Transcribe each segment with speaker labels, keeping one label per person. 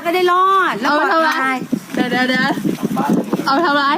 Speaker 1: ก็ได้รอดแล้วปลอดภัย
Speaker 2: เดี๋ยวเอาทำไร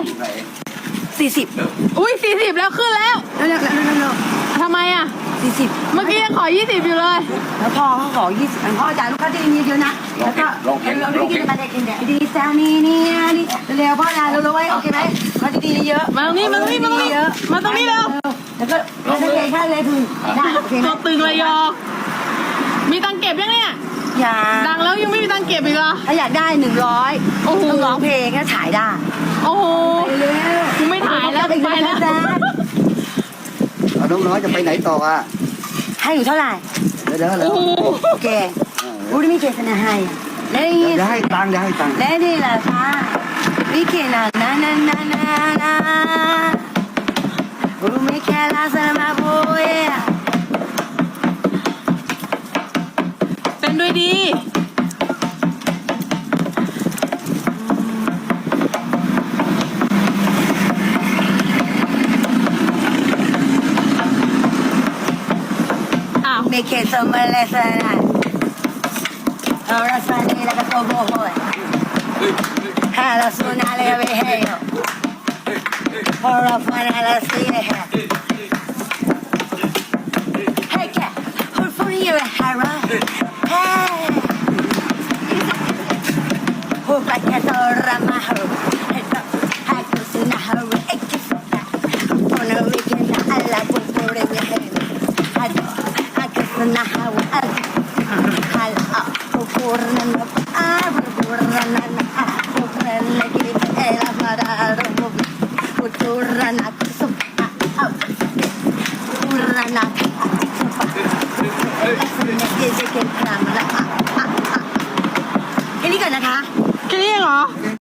Speaker 1: 40
Speaker 2: อุ้ย40แล้วขึ้นแล้ว
Speaker 1: แล้ว
Speaker 2: ทำไมอ่ะ
Speaker 1: 40
Speaker 2: เมื่อกี้ยังขอ20อยู่เลย
Speaker 1: แล้วพ่อเขาขอ20พ่อจ่ายลูกค้าที่นี่เยอะนะแล้วก็เราไม่กินมาได้กินแต่ดีซานี่เร็วพ่อนะเร็วไว้โอเคไหมเขาดีเยอะ
Speaker 2: มาตรงนี้มาตรงนี้แล้ว
Speaker 1: แล้วก็เลยค่าเลยพึงได้โอเคไหม
Speaker 2: ตัวตึงเลยยอมีตังเก็บยังเนี่ย
Speaker 1: อย่า
Speaker 2: ดังแล้วยังไม่มีตังเก็บอีกเหรอ
Speaker 1: ถ้าอยากได้100
Speaker 2: โอ้โห
Speaker 1: ต้องร้องเพลงก็ถ่ายได้
Speaker 2: โอ้โห
Speaker 1: ไปเร็ว
Speaker 2: กูไม่ถ่ายแล้วไปแล้ว
Speaker 3: เอาน้องน้อยจะไปไหนต่ออ่ะ
Speaker 1: ให้อยู่เท่าไหร่
Speaker 3: เดี๋ยว
Speaker 2: โอ้โห
Speaker 1: โอเครู้ได้มีเจตนาให้แล้วนี่
Speaker 3: เดี๋ยวให้ตังค์
Speaker 1: และนี่ล่ะค่ะวิกินานารู้ไหมแค่ลาสมาโบย
Speaker 2: เต้นด้วยดีอ้าว
Speaker 1: ไม่เคยสมัยเลยสันเอาละสันนี่ละก็โตโบโฮยฮาลาสุนาเลเวเฮโยพอเราฟันฮาลาซีเฮเฮ้ยแกพูดฟูนี่อยู่ฮาระเฮ้พูดไปแค่ตัวรามาฮูให้ตัวให้ตัวสุนาฮูเอ็กซ์คนเอาวิกินาอัลลาบุบุเรเวเฮให้ตัวให้ตัวสุนาฮูอัลฮัลอาบุรนันอาบุรนันอาบุรนันกิริเอลามาดารุบุบุรนันสุอาอาบุรนันสุปาเอลาสุนันกิริเกนครามละแค่นี้ก่อนนะคะ
Speaker 2: แค่นี้เหรอ